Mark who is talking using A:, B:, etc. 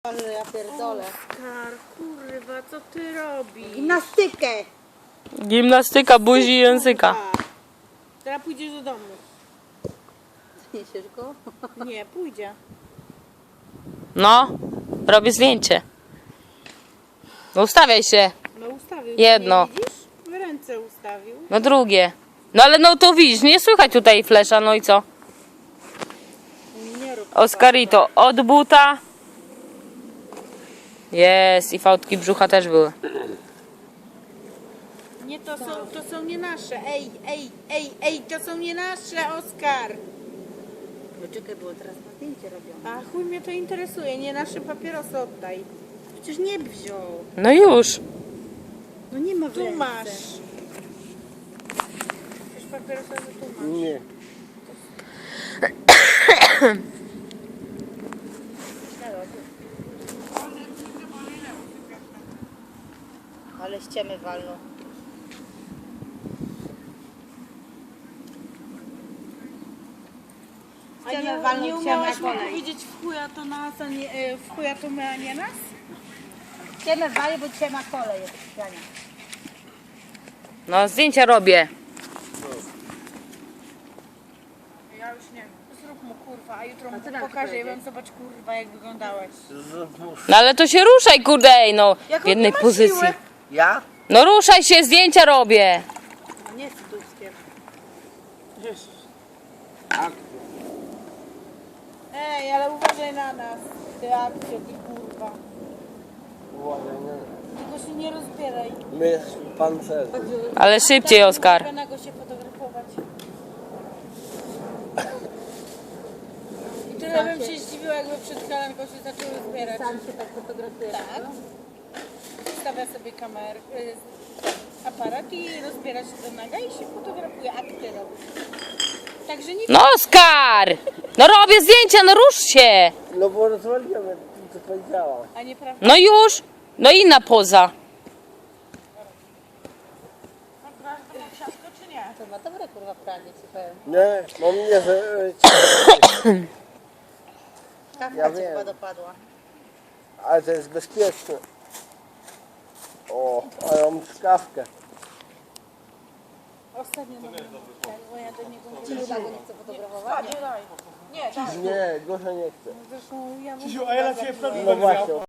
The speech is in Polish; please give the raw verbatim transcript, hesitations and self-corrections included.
A: Ale ja pierdolę.
B: Oskar, kurwa, co ty robisz?
A: Gimnastykę.
C: Gimnastyka buzi i języka.
B: Kurwa. Teraz pójdziesz do domu.
A: Niesiesz go?
B: Nie, pójdzie.
C: No, robię zdjęcie. No ustawiaj się.
B: No ustawił.
C: Jedno.
B: Nie widzisz? W ręce ustawił.
C: No drugie. No ale no to widzisz, nie słychać tutaj flesza, no i co?
B: Nie rób.
C: Oscarito, od buta. Jest, i fałdki brzucha też były.
B: Nie, to są, to są nie nasze. Ej, ej, ej, ej, to są nie nasze, Oskar.
A: No czekaj, było teraz na zdjęcie robione.
B: A chuj mnie to interesuje, nie nasze papierosy oddaj.
A: Przecież nie wziął.
C: No już.
A: No nie ma w
B: Tu
A: ręce.
B: masz. Przecież papierosa tu masz.
D: Nie.
A: Ale ściemy walną.
B: A
A: Ściemy
B: nie,
A: walną,
B: nie
A: ściemy
B: umiałaś mi
A: kolej.
B: powiedzieć w chuja to nas, a nie, e, w chuja to my, a nie nas?
A: Ściemy wali, bo dzisiaj ma kolej jest ściania.
C: No zdjęcia robię.
B: Ja już nie wiem. Zrób mu kurwa, a jutro mu
A: A co nam
B: pokażę i
A: powiedzieć?
B: wam zobacz kurwa jak wyglądałeś.
C: No ale to się ruszaj, kurde, ej, no.
B: Jak
C: W
B: on
C: jednej
B: nie ma
C: pozycji.
B: siły?
D: Ja?
C: No ruszaj się, zdjęcia robię.
B: No nie jest duskiem.
D: Tak.
B: Ej, ale uważaj na nas. Ty akcja, ty kurwa.
D: Uważaj, nie.
B: Tylko się nie rozbieraj.
D: My jesteśmy pancerni.
C: Ale szybciej, Oskar.
B: Mogę na go się fotografować. I tyle bym się zdziwiła, jakby przed kalenką się zaczęły zbierać.
A: Sam się tak fotografuje.
B: Tak. Stawia sobie kamerę, y, aparat i rozbiera się do naga i się fotografuje, akty robi. Także nie
C: No Oskar! No robię zdjęcia, no rusz się.
D: No bo rozwaliłem, jak co powiedziała.
B: a nieprawda.
C: No już. No inna poza.
B: czy nie?
A: To ma dobre kurwa pranie, ci powiem.
D: Nie, mam nie, że...
A: Kawka
D: Ja
A: ci
D: wiem.
A: chyba dopadła.
D: Ale to jest bezpieczne. O, ale mam skawkę.
B: Ostatnio na mnie bo ja do niego
A: Czy
B: mówię.
A: chyba go nie chce fotografować?
B: Nie, daj. Nie, daj.
D: Nie, Gosia nie chce.
B: Zresztą ja mu
E: Krzysiu, a ja na ciebie
D: No właśnie.